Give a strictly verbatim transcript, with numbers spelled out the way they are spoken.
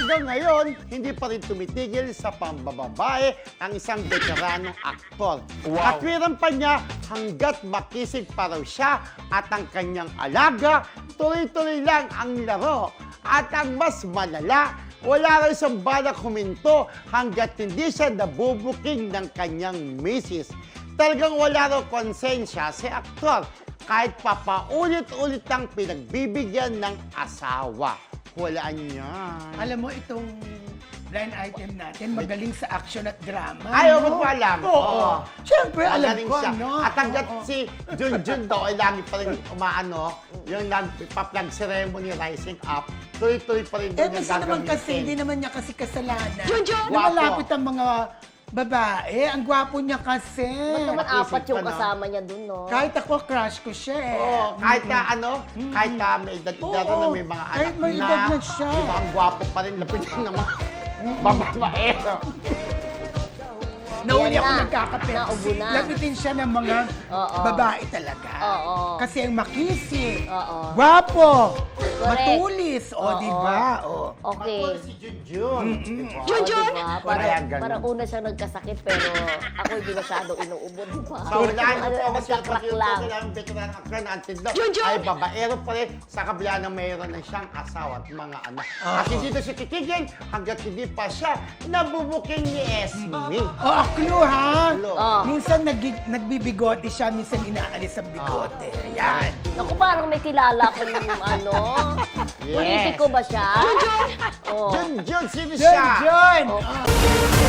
hanggang ngayon, hindi pa rin tumitigil sa pambababae ang isang veteranong aktor. Wow. Katwiran pa niya hanggat makisig pa raw siya at ang kanyang alaga, tuloy-tuloy lang ang laro. At ang mas malala, wala raw isang balak huminto hanggat hindi siya nabubuking ng kanyang misis. Talagang wala raw konsensya si aktor kahit papaulit-ulit ang pinagbibigyan ng asawa. Walaan niya. Alam mo, itong blind item natin, magaling sa action at drama. Ayaw no? mo pa alam. Oo. Oo. Siyempre, alam Magaling ko, siya. no? At hanggat Oo. si Junjun daw ay lagi pa rin umaano, yung nagpa-flag ceremony rising up, tuloy-tuloy pa rin Eh, doon yung kasi naman kasi, gagamitin. hindi naman niya kasi kasalanan. Junjun! Na malapit ang mga babae. Ang gwapo niya kasi. Ba't naman Nakisig apat yung pa, no? kasama niya dun, no? Kahit ako, crush ko siya eh. Oo, kahit ka ano, kahit ka may edad-edad Oo, na may mga anak kahit may na, edad na siya. di ba, ang gwapo pa rin, lapit lang naman. Bababaero. Nauli Ayan ako na. nagkakape. Naubo na. Lapitin siya ng mga Oo. babae talaga. Oo. Kasi ang makisig, Oo. gwapo, Correct. matulis, o Oo. di ba? O. Okay. Ako si Junjun. Diba? Junjun! Wala Diba? Parang, yan, ganun. parang una siyang nagkasakit, pero ako hindi masyado inuubo, di ba? So, wala Ano, yung po kasi nagkakrak lang. ang veteran actor na until now Junjun! ay babaero pa rin sa kabila na mayroon na siyang asawa at mga anak. At hindi ito siya titigil hanggat hindi pa siya nabubuking ni Esme. O, a clue ha? Clue. Oh. Minsan nag nagbibigote siya, minsan inaalis ang bigote. Yan. Naku, parang may kilala kong ano. Yes. Politiko ba siya? Junjun! Oh. Junjun, sino John, siya? John! Oh. Ah.